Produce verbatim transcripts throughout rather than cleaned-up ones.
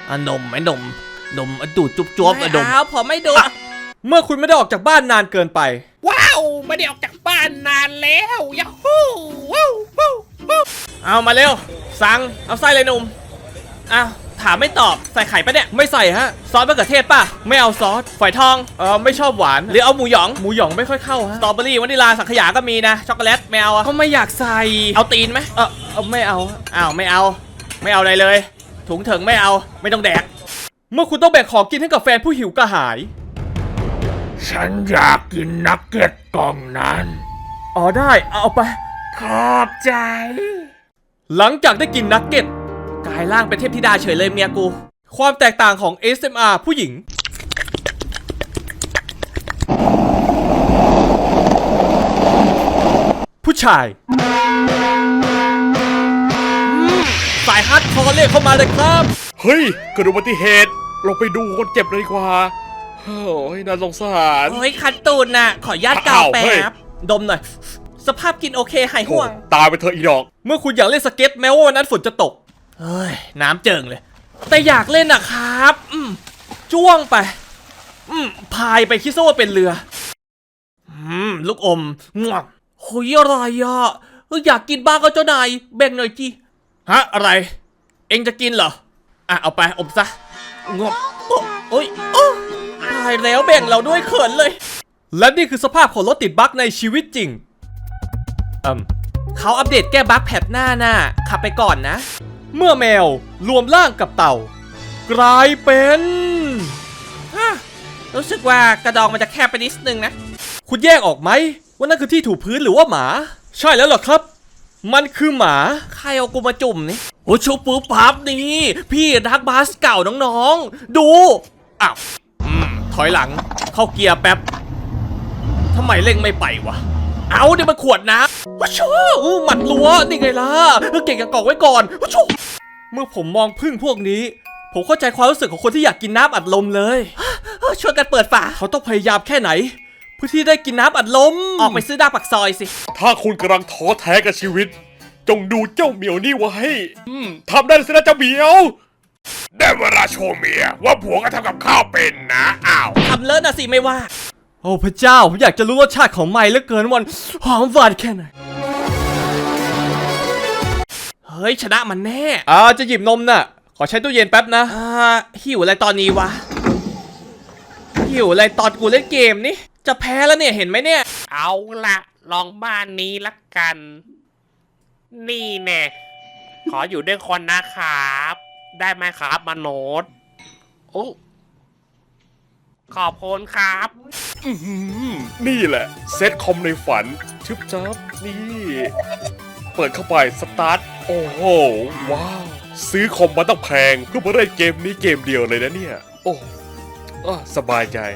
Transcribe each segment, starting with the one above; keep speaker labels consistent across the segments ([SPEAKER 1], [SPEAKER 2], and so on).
[SPEAKER 1] อ่ะนมไหมนมนมดูดจุ๊บจ๊บอ่ะนม
[SPEAKER 2] เอาผมไม่ดู
[SPEAKER 3] เมื่อคุณไม่ได้ออกจากบ้านนานเกินไป
[SPEAKER 2] ว้าวไม่ได้ออกจากบ้านนานแล้วยาฮูว้าวว้าวว้าว
[SPEAKER 1] เอามาเร็วสั่งเอาไส้เลยหนุ่มอ้าวถามไม่ตอบใส่ไข่ปะเนี่ย
[SPEAKER 3] ไม่ใส่ฮะ
[SPEAKER 1] ซอสมะเขือเทศป่ะ
[SPEAKER 3] ไม่เอาซอส
[SPEAKER 1] ฝอยทอง
[SPEAKER 3] เออไม่ชอบหวาน
[SPEAKER 1] หรือเอาหมูหยอง
[SPEAKER 3] หมูหยองไม่ค่อยเข้า
[SPEAKER 1] ส
[SPEAKER 3] ฮะ
[SPEAKER 1] ตรอเบอรี่วานิลาสังขยาก็มีนะช็อกโกแลตไม่เอาอะ
[SPEAKER 3] ก็ไม่อยากใส่
[SPEAKER 1] เอาตีนไหม
[SPEAKER 3] เออเออไม่เอาฮะ
[SPEAKER 1] อ้าวไม่เอาไม่เอาอะไรเลย ถุงเถิงไม่เอาไม่ต้องแดก
[SPEAKER 3] เมื่อคุณต้องแบ่งของกินให้กับแฟนผู้หิวกระหาย
[SPEAKER 4] ฉันอยากกินนักเก็ตกล่องนั้น
[SPEAKER 3] อ๋อได้เอาไป
[SPEAKER 4] ขอบใจ
[SPEAKER 3] หลังจากได้กินนักเก็ต
[SPEAKER 1] กลายร่างเป็นเทพธิดาเฉยเลยเมียกู
[SPEAKER 3] ความแตกต่างของ เอส เอ็ม อาร์ ผู้หญิง ผู้ชายสายฮาร์ดคอร์เรียกเข้ามาเลยครับ
[SPEAKER 4] เฮ้ยเกิดอุบัติเหตุเราไปดูคนเจ็บเลยดีกว่าโอ้ยน่าสงสาร
[SPEAKER 1] โอ้ยคันตูนน่ะขอญาตกาว
[SPEAKER 4] อ้าว
[SPEAKER 1] แป๊
[SPEAKER 4] เฮ้ย
[SPEAKER 1] บดมหน่อยสภาพกินโอเคหายห่วง
[SPEAKER 4] ตายไปเถอะอีดอก
[SPEAKER 3] เมื่อคุณอยากเล่นสเก็ตแม้ว่าวันนั้นฝนจะตก
[SPEAKER 1] เฮ้ยน้ำเจิงเลย แต่อยากเล่นอะครับอืม
[SPEAKER 3] จ้วงไป อืมพายไปคิดซะว่าเป็นเรือ
[SPEAKER 1] อืมลูกอมงวงโหยอะไรอะเอออยากกินบ้างก็เจ้านายแบ่งหน่อยจีฮะอะไร เอ็งจะกินเหรออ่ะเอาไปอมซะงวงโอ้โอ้ยโอ้ตายแล้วแบ่งเราด้วยเขินเลย
[SPEAKER 3] และนี่คือสภาพของรถติดบั๊กในชีวิตจริงอืม
[SPEAKER 1] เขาอัปเดตแก้บั๊กแพทหน้าน่ะขับไปก่อนนะ
[SPEAKER 3] เมื่อแมวรวมร่างกับเต่า กลายเป็น
[SPEAKER 1] ฮะรู้สึกว่ากระดองมันจะแคบไปนิดนึงนะ
[SPEAKER 3] คุณแยกออกไหมว่านั่นคือที่ถูพื้นหรือว่าหมา ใช่แล้วเหรอครับ มันคือหมา
[SPEAKER 1] ใครเอากูมาจุ่มนี่โอ้ชูปูปั๊บนี่พี่ดักบาสเก่าน้องๆ ดูอ้าวอืมถอยหลังเข้าเกียร์แป๊บทำไมเร่งไม่ไปวะเอาเดี๋ยวมันขวดน้ำว้าชูอู้หมัดลัวนี่ไงล่ะเออเก่งกับกอกไว้ก่อนว้าชู
[SPEAKER 3] เมื่อผมมองพึ่งพวกนี้ ผมเข้าใจความรู้สึกของคนที่อยากกินน้ำอัดลมเลย
[SPEAKER 1] เออช่วยกันเปิดฝา
[SPEAKER 3] เขาต้องพยายามแค่ไหน เพื่อที่ได้กินน้ำอัดลม
[SPEAKER 1] ออกไปซื้อดาบปักซอยสิ
[SPEAKER 4] ถ้าคุณกำลังท้อแท้กับชีวิต จงดูเจ้าเหมียวนี่ไว้อืมทำได้สินะเจ้าเหมียว ได้เวลาโชว์เมียว่าผัวก็ทำกับข้าวเป็นนะอ้าว
[SPEAKER 1] ทำเลิศนะสิไม่ว่า
[SPEAKER 3] โอ้พระเจ้าผมอยากจะรู้รสชาติของไม้เหลือเกินวันหอมหวานแค่ไหน
[SPEAKER 1] เฮ้ยชนะมันแน่
[SPEAKER 3] อ่าจะหยิบนมน่ะ ขอใช้ตู้เย็นแป๊บนะ
[SPEAKER 1] อ่าหิวอะไรตอนนี้วะหิวอะไรตอนกูเล่นเกมนี่จะแพ้แล้วเนี่ยเห็นไหมเนี่ย
[SPEAKER 2] เอาละลองบ้านนี้ละกัน นี่แน่ขออยู่ด้วยคนนะครับ ได้ไหมครับมโนดโอ้ขอบคุณครับ
[SPEAKER 4] อื้อหือนี่แหละ เซตคอมในฝัน ชึบจับนี่ เปิดเข้าไปสตาร์ท โอ้โห ว้าว ซื้อคอมมาต้องแพงเพื่อมาเล่นเกมนี้เกมเดียวเลยนะเนี่ย โอ้อ่ะสบายใจ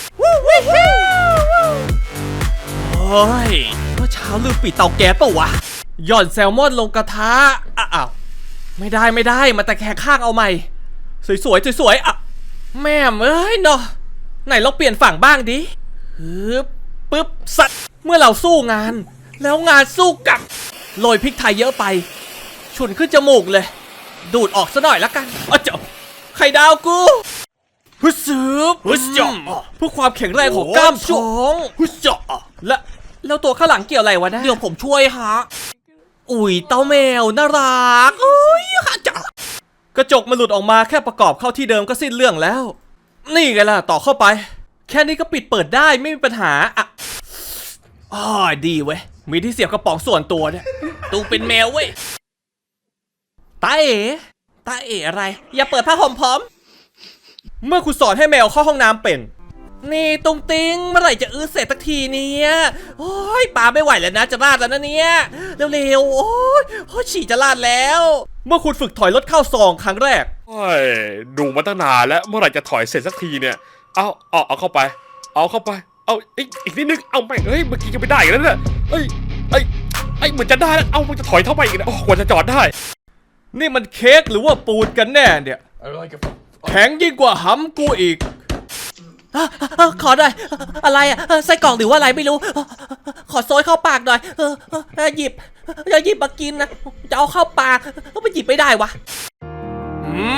[SPEAKER 1] เฮ้ยเมื่อเช้าลืมปิดเตาแก๊สปะวะหย่อนแซลมอนลงกระทะอ้าวไม่ได้ไม่ได้มาแต่แค่ข้างเอาใหม่ สวยๆสวยๆอ่ะแม่มเอ้ยเนาะไหนลองเปลี่ยนฝั่งบ้างดิฮึบปึ๊บสัตว์เมื่อเราสู้งาน แล้วงานสู้กลับโรยพริกไทยเยอะไป ฉุนขึ้นจมูกเลย ดูดออกซะหน่อยละกันอ้าวเจ้าไข่ดาวกูฮึดซึบ
[SPEAKER 3] ฮึดเจาะ
[SPEAKER 1] เพื่อความแข็งแรงของกล้ามท้องฮึดเจาะและแล้วตัวข้างหลังเกี่ยวอะไรวะนะเดี๋ยวผมช่วยฮะอุ้ยเต้าแมวน่ารักโอ้ยฮะจ้ะ
[SPEAKER 3] กระจกมันหลุดออกมาแค่ประกอบเข้าที่เดิมก็สิ้นเรื่องแล้ว นี่ไงล่ะต่อเข้าไป แค่นี้ก็ปิดเปิดได้ไม่มีปัญหาอ่ะ
[SPEAKER 1] อ๋อดีเว้ยมีที่เสียบกระป๋องส่วนตัวเนี่ยตูเป็นแมวเว้ยตาเอ๋ตาเอ๋อะไร อย่าเปิดผ้าห่มพร้อม
[SPEAKER 3] เมื่อคุณสอนให้แมวเข้าห้องน้ำเป็น
[SPEAKER 1] นี่ตุงติงเมื่อไหร่จะอื้อเสร็จสักทีเนี่ยโอ้ยปาไม่ไหวแล้วนะจะลาดแล้วนะเนี่ยเร็วๆโอ้ยโอ้ยฉี่จะลาดแล้ว
[SPEAKER 3] เมื่อคุณฝึกถอยรถเข้าซองครั้งแรก
[SPEAKER 4] โอ้ยดูมาตั้งนานแล้ว เมื่อไหร่จะถอยเสร็จสักทีเนี่ย เอาเอาเอาเข้าไป เอาเข้าไป เอาอีกอีกนิดนึง เอาไปเฮ้ย เมื่อกี้ยังไม่ได้อีกแล้วเนี่ยเอ้ยเอ้ยเอ้ยเหมือนจะได้แล้ว เอามันจะถอยเท่าไปอีกนะโอ้กว่าจะจอดได้
[SPEAKER 3] นี่มันเค้กหรือว่าปูนกันแน่เนี่ย แข็งยิ่งกว่าหำกูอีก
[SPEAKER 1] อ่ะอ่ะขอหน่อยอะไรอ่ะเออไส้กรอกหรือว่าอะไรไม่รู้เออขอโซยเข้าปากหน่อยเออเออเออหยิบอย่าหยิบมากินนะจะเอาเข้าปากก็ไปหยิบไม่ได้วะ
[SPEAKER 3] อืม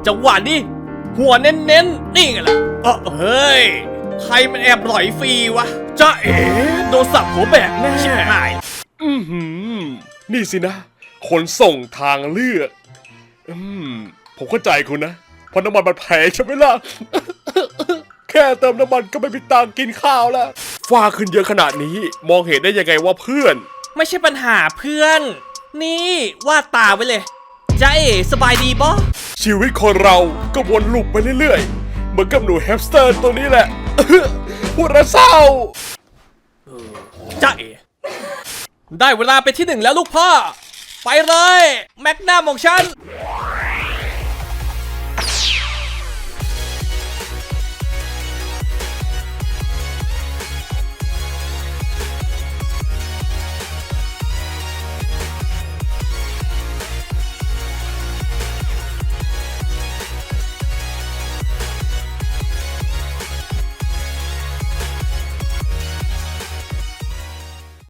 [SPEAKER 1] จังหวะนี้หัวเน้นๆนี่ไงล่ะเออเฮ้ยใครมันแอบหลอยฟรีวะจ้าเอ๋โดนสับหัวแบกแน่ชิบหาย
[SPEAKER 4] อือหือนี่สินะขนส่งทางเลือก อืมผมเข้าใจคุณนะเพราะน้ำมันมันแพงใช่ไหมล่ะ แค่เติมน้ำมันก็ไม่มีตังค์กินข้าวแล้วฟ้าขึ้นเยอะขนาดนี้ มองเห็นได้ยังไงว่าเพื่อน
[SPEAKER 1] ไม่ใช่ปัญหาเพื่อน นี่วาดตาไว้เลยจ้าเอ๋สบายดีบ่
[SPEAKER 4] ชีวิตคนเราก็วนลูปไปเรื่อยๆ เหมือนกับหนูแฮมสเตอร์ตัวนี้แหละ พูดแล้วเศร้า
[SPEAKER 1] จ้าเอ๋ได้เวลาไปนที่หนึ่งแล้วลูกพ่อ ไปเลย แม็กนัมของฉัน